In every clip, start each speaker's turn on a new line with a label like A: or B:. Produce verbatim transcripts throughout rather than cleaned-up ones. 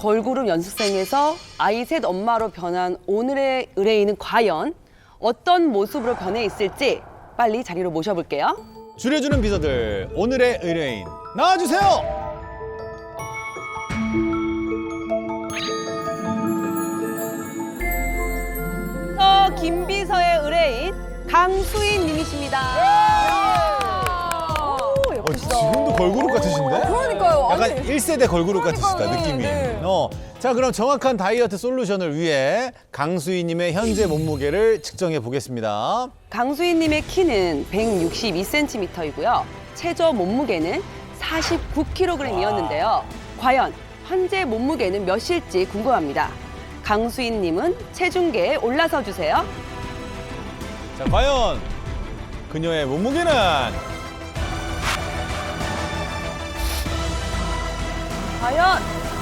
A: 걸그룹 연습생에서 아이 셋 엄마로 변한 오늘의 의뢰인은 과연 어떤 모습으로 변해 있을지 빨리 자리로 모셔볼게요.
B: 줄여주는 비서들 오늘의 의뢰인 나와주세요.
A: 저 김비서의 의뢰인 강수인 님이십니다.
B: 어, 지금도 걸그룹 같으신데?
C: 그러니까요.
B: 약간
C: 아니,
B: 일 세대 걸그룹 같으시다,
C: 그러니까요.
B: 느낌이.
C: 네.
B: 어, 자, 그럼 정확한 다이어트 솔루션을 위해 강수희님의 현재 몸무게를 측정해 보겠습니다.
A: 강수인 님의 키는 백육십이 센티미터이고요. 최저 몸무게는 사십구 킬로그램이었는데요. 과연 현재 몸무게는 몇일지 궁금합니다. 강수인 님은 체중계에 올라서 주세요.
B: 자, 과연 그녀의 몸무게는?
A: 과연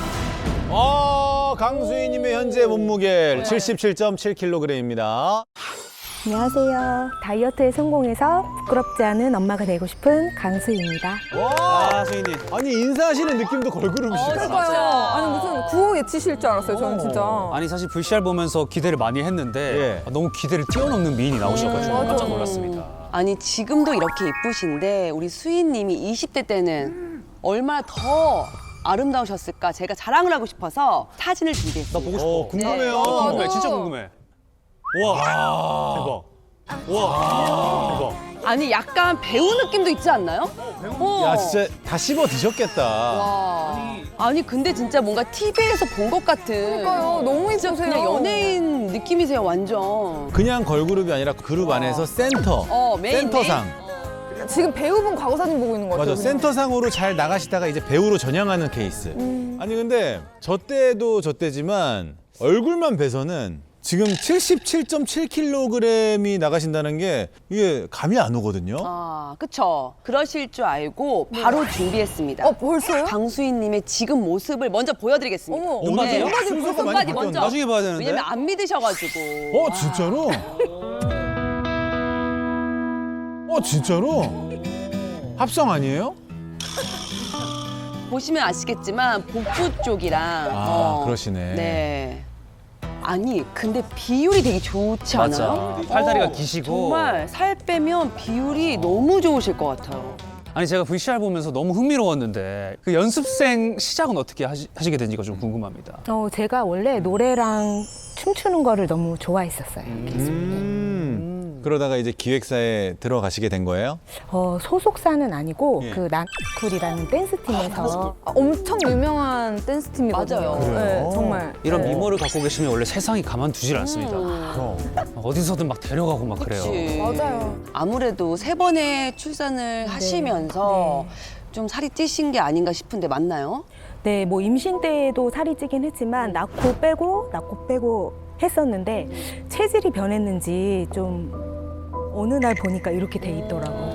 B: 어, 강수희님의 현재 몸무게 칠십칠 점 칠 킬로그램입니다.
D: 안녕하세요. 다이어트에 성공해서 부끄럽지 않은 엄마가 되고 싶은 강수희입니다.
B: 와, 수희님. 아니, 인사하시는 느낌도 걸그룹이시다.
C: 그러니까요. 아니 무슨 구호 외치실 줄 알았어요. 저는 진짜.
E: 아니 사실 브이씨알 보면서 기대를 많이 했는데
B: 예.
E: 아, 너무 기대를 뛰어넘는 미인이 나오셔가지고
C: 맞아.
E: 깜짝 놀랐습니다.
A: 아니 지금도 이렇게 이쁘신데 우리 수인 님이 이십 대 때는 얼마나 더 아름다우셨을까 제가 자랑을 하고 싶어서 사진을 준비했습니다.
E: 나 보고 싶어.
B: 어, 궁금해요.
C: 네.
E: 궁금해,
C: 맞아.
E: 진짜 궁금해. 와, 대박. 와, 대박.
A: 아니 약간 배우 느낌도 있지 않나요? 어.
B: 야, 진짜 다 씹어 드셨겠다.
A: 와. 아니 근데 진짜 뭔가 티비에서 본 것 같은
C: 그러니까요. 너무
A: 진짜
C: 이쁘세요.
A: 그냥 연예인 느낌이세요 완전.
B: 그냥 걸그룹이 아니라 그룹 안에서 센터.
A: 어, 메인,
B: 센터상.
C: 지금 배우분 과거 사진 보고 있는 것 같아요.
B: 맞아. 센터상으로 잘 나가시다가 이제 배우로 전향하는 케이스. 아니 근데 저 때도 저 때지만 얼굴만 봐서는 지금 칠십칠 점 칠 킬로그램이 나가신다는 게 이게 감이 안 오거든요.
A: 아 그쵸. 그러실 줄 알고 바로 준비했습니다.
C: 어 벌써요?
A: 강수인님의 지금 모습을 먼저 보여드리겠습니다.
C: 어머.
E: 눈바디요?
A: 네.
C: 눈바디
B: 순서가
C: 벌써
B: 많이
A: 눈바디
B: 바뀌었네.
A: 먼저.
E: 나중에 봐야 되는데.
A: 왜냐면 안 믿으셔가지고.
B: 어 진짜로? 어 진짜로? 합성 아니에요?
A: 보시면 아시겠지만 복부 쪽이랑
B: 아, 그러시네.
A: 네. 아니 근데 비율이 되게 좋지
E: 맞아.
A: 않아요?
E: 팔다리가
A: 어,
E: 기시고.
A: 정말 살 빼면 비율이 너무 좋으실 것 같아요.
E: 아니 제가 브이씨알 보면서 너무 흥미로웠는데 그 연습생 시작은 어떻게 하시, 하시게 된지가 좀 궁금합니다.
D: 어, 제가 원래 노래랑 춤추는 거를 너무 좋아했었어요.
B: 음. 그러다가 이제 기획사에 들어가시게 된 거예요?
D: 어, 소속사는 아니고
B: 예.
D: 그 난쿨이라는 댄스팀에서
C: 아, 엄청 유명한 댄스 팀이거든요.
A: 맞아요.
B: 그래요?
C: 네, 정말.
E: 이런 미모를 갖고 계시면 원래 세상이 가만두질 않습니다.
B: 그럼.
E: 어디서든 막 데려가고 막 그래요.
A: 그치.
C: 맞아요.
A: 아무래도 세 번의 출산을 하시면서 좀 살이 찌신 게 아닌가 싶은데 맞나요?
D: 네, 뭐 임신 때도 살이 찌긴 했지만 낳고 빼고 낳고 빼고 했었는데 체질이 변했는지 좀 어느 날 보니까 이렇게 돼 있더라고요.